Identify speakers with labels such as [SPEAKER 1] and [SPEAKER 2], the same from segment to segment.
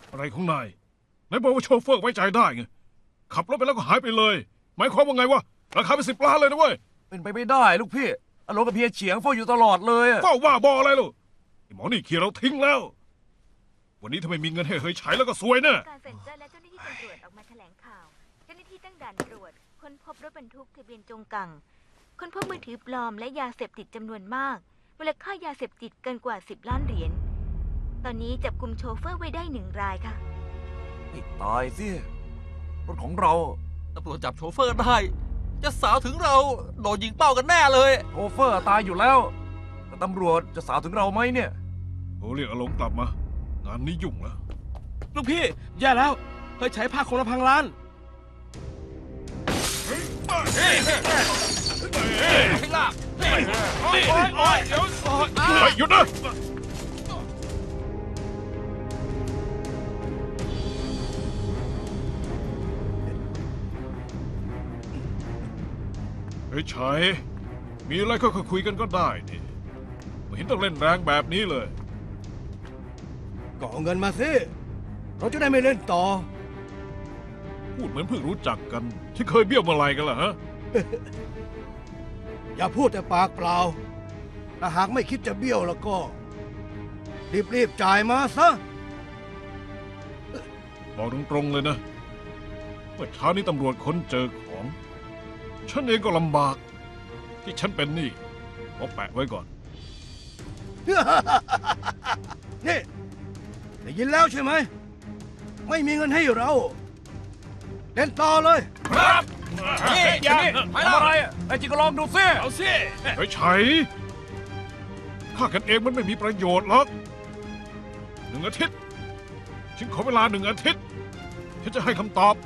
[SPEAKER 1] อะไรของนายนายบอกว่าโชเฟอร์ไว้ใจได้ไงขับรถไปแล้วก็หายไปเลยหมายความว่าไงวะราคาเป็น10 ล้านเลยนะเว้ย
[SPEAKER 2] เป็นไปไม่ได้ลูกพี่อารมณ์กับเพียเฉียงเฝ้าอยู่ตลอดเลยอะ
[SPEAKER 1] เฝ้าว่าบออะไรลูกไอ้หมอนี่ขี่เราทิ้งแล้ว วันนี้ถ้าไม่มีเงินให้เฮยฉายแล้วก็ซวยแน่
[SPEAKER 3] การเซ็นเซอร์และเจ้าหน้าที่ตำรวจออกมาแถลงข่าวเจ้าหน้าที่ตั้งด่านตรวจค้นพบรถบรรทุกทะเบียนจงกังค้นพบมือถือปลอมและยาเสพติดจำนวนมากมูลค่ายาเสพติดเกินกว่า10 ล้านเหรียญตอนนี้จับกุมโชเฟอร์ไว้ได้1 รายค่ะ
[SPEAKER 2] ไม่ตายสิรถของเรา
[SPEAKER 4] ตำรวจจับโชเฟอร์ได้ จะสาวถึงเราโดนยิงเป้ากันแน่เลย
[SPEAKER 2] โชเฟอร์ตายอยู่แล้วแต่ตำรวจจะสาวถึงเราไหมเนี่ย
[SPEAKER 1] โอ้เรียกอารมณ์กลับมา งานนี้ยุ่งแล้ว
[SPEAKER 5] ลูกพี่แย่แล้วเฮ้ยใช้ผ้าคนละพังล้าน
[SPEAKER 4] ให้ลาก
[SPEAKER 1] เฮ้ยหยุดนะเฮ้ยชัยมีอะไรก็คุยกันก็ได้นี่ไม่เห็นต้องเล่นแรงแบบนี้เลย
[SPEAKER 6] ก็เอาเงินมาสิเราจะได้ไม่เล่นต่อ
[SPEAKER 1] พูดเหมือนเพิ่งรู้จักกัน ที่เคยเบี้ยวเมื่อไหรกันล่ะฮะ
[SPEAKER 6] อย่าพูดแต่ปากเปล่า ถ้าหากไม่คิดจะเบี้ยวแล้วก็ รีบจ่ายมาซะ
[SPEAKER 1] บอกตรงๆเลยนะเมื่อเช้านี้ตำรวจค้นเจอของ ฉันเองก็ลำบาก ที่ฉันเป็นหนี้ขอแปะไว้ก่อน
[SPEAKER 6] นี่ได้ยินแล้วใช่ไหม ไม่มีเงินให้เรา เล่นต่อเลย
[SPEAKER 4] นี่
[SPEAKER 2] อย่านี่ทำอะไรอะไอ้จิก็ลองดูสิ
[SPEAKER 5] เอาสิ
[SPEAKER 1] เฮ้ยชัยฆ่ากันเองมันไม่มีประโยชน์หรอก1 อาทิตย์ ฉันขอเวลา1 อาทิตย์ ฉันจะให้คำตอบ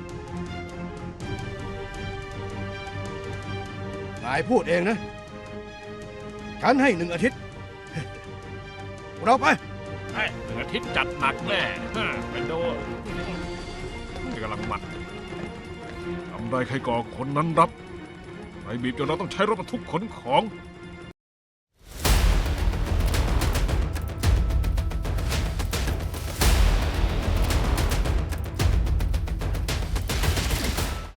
[SPEAKER 6] นายพูดเองนะ ฉันให้1 อาทิตย์ เราไป
[SPEAKER 1] 1 อาทิตย์จัดหนักแน่เป็นโดกำลังมันทำได้ใครก่อคนนั้นรับใครบีบจนเราต้องใช้รถบรรทุกขนของ